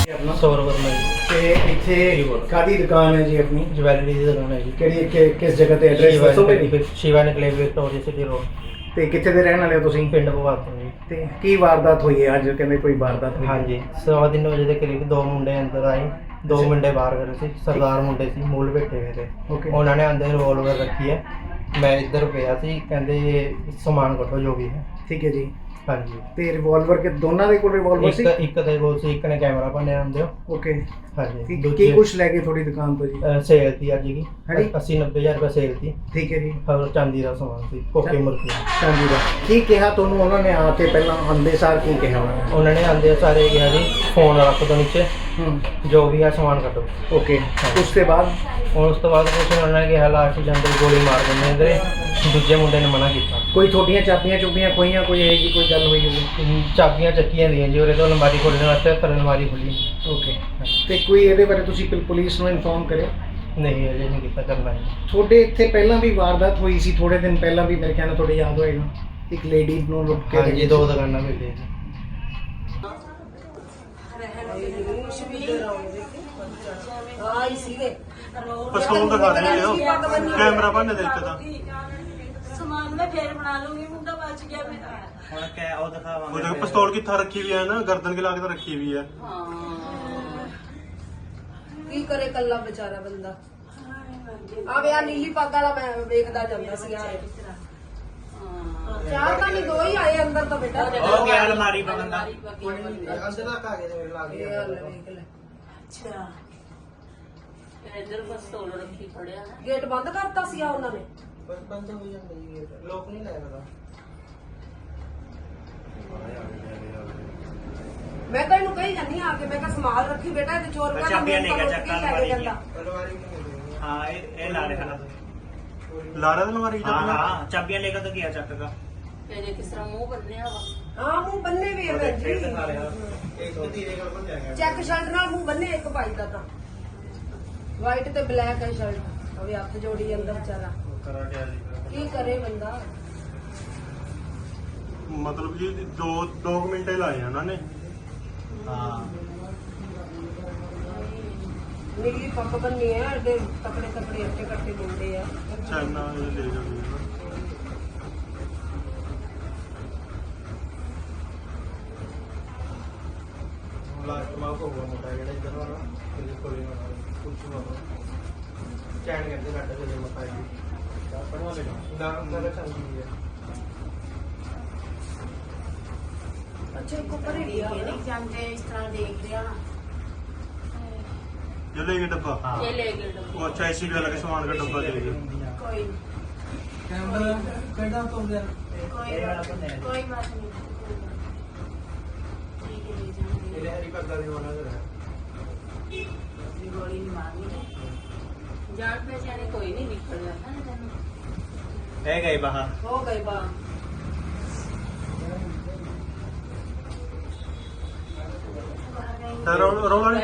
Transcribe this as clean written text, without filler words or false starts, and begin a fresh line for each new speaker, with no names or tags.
अपना
सौरवर्मा जी
ਤੇ ਇੱਥੇ ਕਾਦੀ ਦੁਕਾਨ ਹੈ ਜੀ ਆਪਣੀ
ज्वैलरी की दुकान है जी
ਕਿਹੜੀ ਕਿਸ ਜਗ੍ਹਾ ਤੇ ਐਡਰੈਸ ਦੱਸੋਗੇ ਜੀ
शिवा निकले विक्टोरिया सिटी रोड
ਤੇ ਕਿੱਥੇ ਦੇ ਰਹਿਣ ਵਾਲੇ ਹੋ ਤੁਸੀਂ
पिंड भगवत जी।
ਤੇ ਕੀ ਵਾਰਦਾਤ ਹੋਈ ਹੈ ਅੱਜ ਕਹਿੰਦੇ ਕੋਈ ਵਾਰਦਾਤ ਹੋਈ
हाँ जी 3:15 बजे के करीब दो मुंडे अंदर आए दो मुंडे बाहर खड़े थे सरदार मुंडे सी मूल बैठे हुए थे
ਓਕੇ
उन्होंने अंदर रिवॉल्वर रखी है मैं इधर गया सी कहते सामान कटो जो भी है
ਠੀਕ ਹੈ ਜੀ
हाँ जी
ਤੇ ਰਿਵਾਲਵਰ ਕੇ ਦੋਨਾਂ ਦੇ ਕੋਲ ਰਿਵਾਲਵਰ ਸੀ
एक दे कोल सी एक ने कैमरा भन्ने आंदे
ਓਕੇ
हाँ जी
ਕੀ ਕੁਛ ਲੈ ਕੇ ਥੋੜੀ ਦੁਕਾਨ ਤੋਂ ਜੀ
सेल थी अज की
हाँ जी।
80-90 हज़ार रुपये सेल थी
ਠੀਕ ਹੈ ਜੀ
और चांदी का सामान सी कोके मुर्गी
ਹਾਂਜੀ ਦਾ ਕੀ ਕਿਹਾ ਤੁਹਾਨੂੰ ਉਹਨਾਂ ਨੇ ਆ ਕੇ ਪਹਿਲਾਂ ਆਂਦੇ ਸਾਰ ਕੀ ਕਿਹਾ ਉਹਨਾਂ ਨੇ
उन्होंने आंदे सारे गया जी फोन रख दो नीचे जो भी है सामान कटो
ਓਕੇ ਉਸ ਤੋਂ ਬਾਅਦ
और उस तो बाद कुछ उन्होंने कहा लास्ट जंदे गोली मार देने इधर दूजे मुंडे ने मना किया
ਕੋਈ ਤੁਹਾਡੀਆਂ ਚਾਬੀਆਂ ਚੁਬੀਆਂ ਖੋਈਆਂ ਕੋਈ ਇਹ ਜੀ ਕੋਈ ਗੱਲ ਹੋਈ ਹੋਵੇ
ਚਾਬੀਆਂ ਚੱਕੀਆਂ ਦੀਆਂ ਜੀ ਉਹਦੇ ਤੋਂ ਅਲਮਾਰੀ ਖੋਲ੍ਹਣ ਵਾਸਤੇ ਪਰ ਅਲਮਾਰੀ ਖੁੱਲੀ
ਓਕੇ ਤੇ ਕੋਈ ਇਹਦੇ ਬਾਰੇ ਤੁਸੀਂ ਪੁਲਿਸ ਨੂੰ ਇਨਫੋਰਮ ਕਰਿਆ
ਨਹੀਂ ਅਜੇ ਨਹੀਂ ਕੀਤਾ ਕਰਨਾ ਹੈ
ਤੁਹਾਡੇ ਇੱਥੇ ਪਹਿਲਾਂ ਵੀ ਵਾਰਦਾਤ ਹੋਈ ਸੀ ਥੋੜੇ ਦਿਨ ਪਹਿਲਾਂ ਵੀ ਮੇਰੇ ਖਿਆਲ ਨਾਲ ਤੁਹਾਡੇ ਯਾਦ ਹੋਏਗਾ ਇੱਕ ਲੇਡੀ ਨੂੰ ਲੁੱਟ ਕੇ
ਹਾਂ ਜੀ ਦੋ ਦੁਕਾਨਾਂ ਮਿਲੇ ਜੀ
ਪਿਸਤੌਲ ਦਿਖਾ ਰਹੇ ਹੋ ਕੈਮਰਾ ਬੰਨ ਦੇ ਇੱਕ ਤਾਂ
ਸਮਾਨ ਮੈਂ ਫੇਰ ਬਣਾ ਲੂੰਗੀ ਮੁੰਡਾ ਬਚ ਗਿਆ ਮੇਰਾ
ਹੁਣ ਕੈ ਉਹ ਦਿਖਾਵਾਂਗੇ
ਉਹ ਦੇਖ ਪਿਸਤੌਲ ਕਿੱਥਾ ਰੱਖੀ ਵੀ ਹੈ ਨਾ ਗਰਦਨ ਕੇ ਲਾ ਕੇ ਤਾਂ ਰੱਖੀ ਵੀ ਹੈ
ਕੀ ਕਰੇ ਕੱਲਾ ਵਿਚਾਰਾ ਬੰਦਾ ਆਵੇ ਆ ਨੀਲੀ ਪੱਗ ਵਾਲਾ ਮੈਂ ਵੇਖਦਾ ਜਾਂਦਾ ਸੀ ਯਾਰ ਚਾਰ ਤਾਂ ਨਹੀਂ ਦੋ ਹੀ ਆਏ ਅੰਦਰ ਤਾਂ ਬੇਟਾ
ਉਹ ਗਿਆ ਅਲਮਾਰੀ ਬੰਦਾ
ਅੰਦਰ ਤੱਕ ਆ ਗਏ ਤੇ ਲੱਗ ਗਿਆ ਵੇਖ ਲੈ
ਅੱਛਾ ਇਧਰ ਪਿਸਤੌਲ ਰੱਖੀ ਫੜਿਆ ਨਾ
ਗੇਟ ਬੰਦ ਕਰਤਾ ਸੀ ਆ ਉਹਨਾਂ ਨੇ
ਬੰਦ ਹੋ ਜਾਂਦਾ ਜੀ ਲੋਕ ਨਹੀਂ ਲੱਗਦਾ
ਮੈਂ ਤਾਂ ਇਹਨੂੰ ਕਹੀ ਜਾਂਦੀ ਆ ਕੇ ਮੈਂ ਕਿਹਾ ਸੰਭਾਲ ਰੱਖੀ ਬੇਟਾ ਤੇ ਚੋਰ ਕਹਿੰਦਾ
ਚਾਬੀਆਂ ਲੈ ਗਿਆ ਚੱਕ ਅਲਮਾਰੀ
ਜਾਂਦਾ
हाँ ये ला रहे हैं
ਲਾ ਰਿਹਾ ਅਲਮਾਰੀ
हाँ
ਚ
हाँ चाबियां लेकर तो गया चक का
ਇਹਦੇ ਕਿਸ ਤਰ੍ਹਾਂ ਮੂੰਹ ਬੰਨਿਆ ਵਾ
ਹਾਂ ਮੂੰਹ ਬੰਨੇ ਵੀ ਹੈ ਭੈਣ ਜੀ
एक धीरे कर बन जाएगा
ਚੈੱਕ ਸ਼ਰਟ ਨਾਲ ਮੂੰਹ ਬੰਨੇ ਇੱਕ ਭਾਈ ਦਾ ਤਾਂ ਵਾਈਟ ਤੇ ਬਲੈਕ ਹੈ ਸ਼ਰਟ ਅਵੇ ਹੱਥ ਜੋੜੀ ਅੰਦਰ ਵਿਚਾਰਾ
कराटे वाली
ਕੀ ਕਰੇ ਬੰਦਾ
ਮਤਲਬ ਜੀ 2 ਮਿੰਟ ਹੀ ਲਾਏ ਆ ਉਹਨਾਂ ਨੇ
हाँ
ਨੀਲੀ ਪੱਗ ਬੰਨੀ ਹੈ ਐਡੇ ਤਕੜੇ ਤਕੜੇ ਅੱਟੇ ਕੱਟੇ ਮੁੰਡੇ ਆ
ਚਾਈਨਾ ਇਹ ਲੈ ਜਾਂਦੇ ਆ ਨਾ
लास्ट में को हुआ मोटा जेड़ा इधर वाला फिर खोली ना कुछ ना चैन करके काट के मत आएगी अपन वाले ना अंदर चल गई है
ਅੱਛਾ ਇੱਕ ਉੱਪਰ ਹੀ
ਇਹ
ਲਿਆ
ਨਹੀਂ ਜਾਂਦੇ ਇਸ ਤਰ੍ਹਾਂ ਦੇਖ ਰਿਹਾ
ये ले गए डब्बा
ਇਹ ਲੈ ਗਏ ਡੱਬਾ।
वो अच्छा ऐसी भी अलग सामान का डब्बा ले गए
ਕੋਈ
कैमरा कैसा तो गया
ਕੋਈ ਕੋਈ ਬਾਤ ਨਹੀਂ ਠੀਕ ਹੈ ਲੈ ਜਾਂਦੇ
मेरे हरी पग्गा भी होना जरा
ਗੋਲੀ ਨਹੀਂ ਮਾਰਨੀ ਜਾਣ ਪਹਿਚਾਣੇ ਕੋਈ ਨਹੀਂ ਨਿਕਲ ਜਾਂਦਾ ਨਾ ਤੈਨੂੰ
है गए बाहर
ਹੋ ਗਏ ਬਾ
रोला